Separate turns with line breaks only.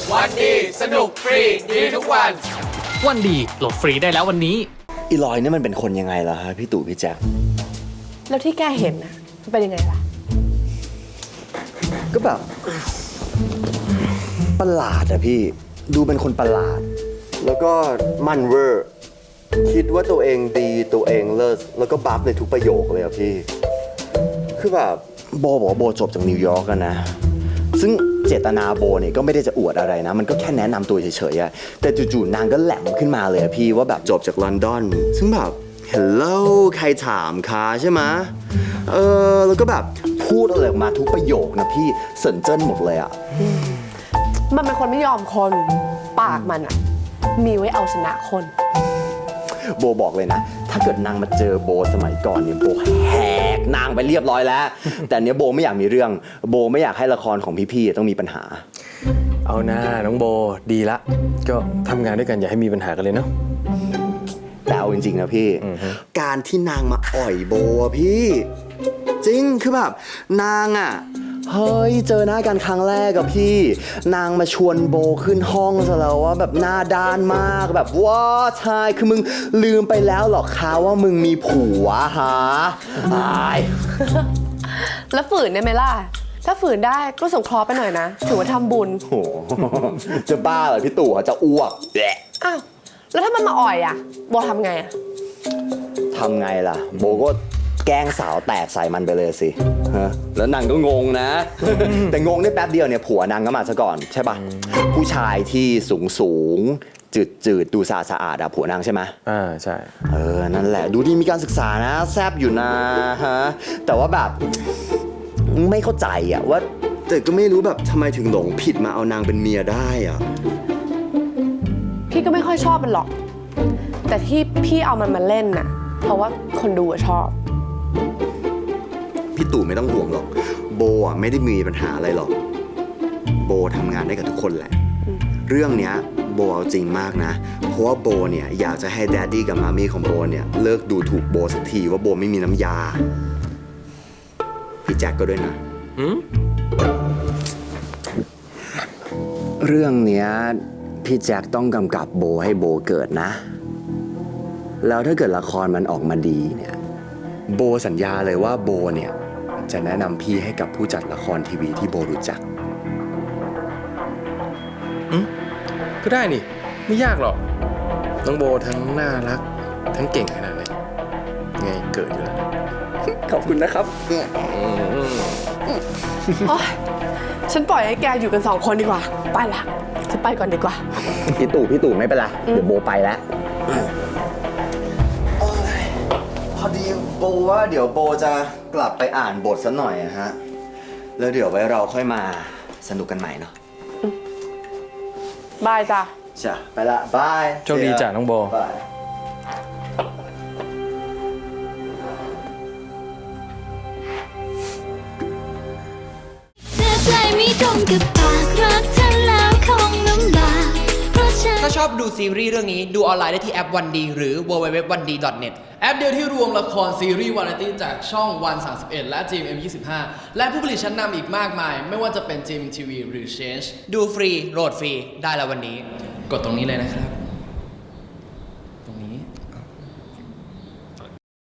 วันดีสนุกฟรีดีทุกวัน
วันดีโหลดฟรีได้แล้ววันนี้
อีลอยนี่มันเป็นคนยังไงล่ะฮะพี่ตู่พี่แจ๊ค
แล้วที่แกเห็นน่ะมันเป็นยังไงล่ะ
ก็แบบประหลาดอะพี่ดูเป็นคนประหลาดแล้วก็มันเวอร์คิดว่าตัวเองดีตัวเองเลิศแล้วก็บัฟในทุกประโยคเลยอะพี่คือแบบโบบอกว่าโบจบจากนิวยอร์กกันนะซึ่งเจตนาโบเนี่ยก็ไม่ได้จะอวดอะไรนะมันก็แค่แนะนำตัวเฉยๆอะแต่จู่ๆนางก็แหลมขึ้นมาเลยอะพี่ว่าแบบจบจากลอนดอนซึ่งแบบเฮลโลใครถามคะใช่ไหมแล้วก็แบบพูดอะไรออกมาทุกประโยคนะพี่เสินเจิ้นหมดเลยอะ
มันเป็นคนไม่ยอมคนปากมันอะมีไว้เอาชนะคน
โบบอกเลยนะถ้าเกิดนางมาเจอโบสมัยก่อนเนี่ยโบแหกนางไปเรียบร้อยแล้วแต่เนี้ยโบไม่อยากมีเรื่องโบไม่อยากให้ละครของพี่ๆต้องมีปัญหา
เอาหน้าน้องโบดีละก็ทำงานด้วยกันอย่าให้มีปัญหากันเลยเนาะ
แต่เอาจริงๆนะพี่การที่นางมาอ่อยโบอะพี่จริงคือแบบนางอะเฮ้ยเจอหน้ากันครั้งแรกกับพี่นางมาชวนโบขึ้นห้องซะแล้วว่าแบบหน้าด้านมากแบบว้าชายคือมึงลืมไปแล้วหรอคะว่ามึงมีผัวฮะ
แล้วฝืนได้ไหมล่ะถ้าฝืนได้ก็ส่งเคราะห์ไปหน่อยนะถือว่าทำบุญ
โอ้จะบ้าเหรอพี่ตู่จะอ้วก
อ้าวแล้วถ้ามันมาอ่อยอะโบทำไงอะ
ทำไงล่ะโบก็แกล้งสาวแตกใส่มันไปเลยสิแล้วนางก็งงนะ แต่งงได้แป๊บเดียวเนี่ยผัวนางก็มาซะก่อนใช่ปะผู้ชายที่สูงจืดดูสะอาดอะผัวนางใช่ไหม
ใช่
นั่นแหละดูดีมีการศึกษานะแซบอยู่นะฮะแต่ว่าแบบไม่เข้าใจอะว่าแต่ก็ไม่รู้แบบทำไมถึงหลงผิดมาเอานางเป็นเมียได้อะ
พี่ก็ไม่ค่อยชอบมันหรอกแต่ที่พี่เอามันมาเล่นน่ะเพราะว่าคนดูชอบ
พี่ตู่ไม่ต้องห่วงหรอกโบอ่ะไม่ได้มีปัญหาอะไรหรอกโบทำงานได้กับทุกคนแหละเรื่องเนี้ยโบเอาจริงมากนะเพราะว่าโบเนี่ยอยากจะให้แดดดี้กับมามี่ของโบเนี่ยเลิกดูถูกโบสักทีว่าโบไม่มีน้ำยาพี่แจ็คก็ด้วยนะเรื่องเนี้ยพี่แจ็คต้องกำกับโบให้โบเกิดนะแล้วถ้าเกิดละครมันออกมาดีเนี่ยโบสัญญาเลยว่าโบเนี่ยจะแนะนำพี่ให้กับผู้จัดละครทีวีที่โบรู้จัก
ก็ได้นี่ไม่ยากหรอกน้องโบทั้งน่ารักทั้งเก่งขนาดไหนไงเกิดอยู่แล้ว
ขอบคุณนะครับ
ฉันปล่อยให้แกอยู่กัน2 คนดีกว่าไปละฉันไปก่อนดีกว่า
พี่ตู่ไม่เป็นไรเดี๋ยวโบไปแล้วพอดีโบว่าเดี๋ยวโบจะกลับไปอ่านบทซะหน่อยนะฮะแล้วเดี๋ยวไว้เราค่อยมาสนุกกันใหม่เนาะ
บายจ้ะ
จ้ะไปละบาย
โชคดีจ้ะน้องโบบาย
ถ้าชอบดูซีรีส์เรื่องนี้ดูออนไลน์ได้ที่แอปวันดีหรือ www.1d.net แอปเดียวที่รวมละครซีรีส์วาไรตี้จากช่องวัน31และ GMM25 และผู้ผลิตชั้นนำอีกมากมายไม่ว่าจะเป็น GMMTV หรือ Change ดูฟรีโหลดฟรีได้แล้ววันนี้กดตรงนี้เลยนะครับ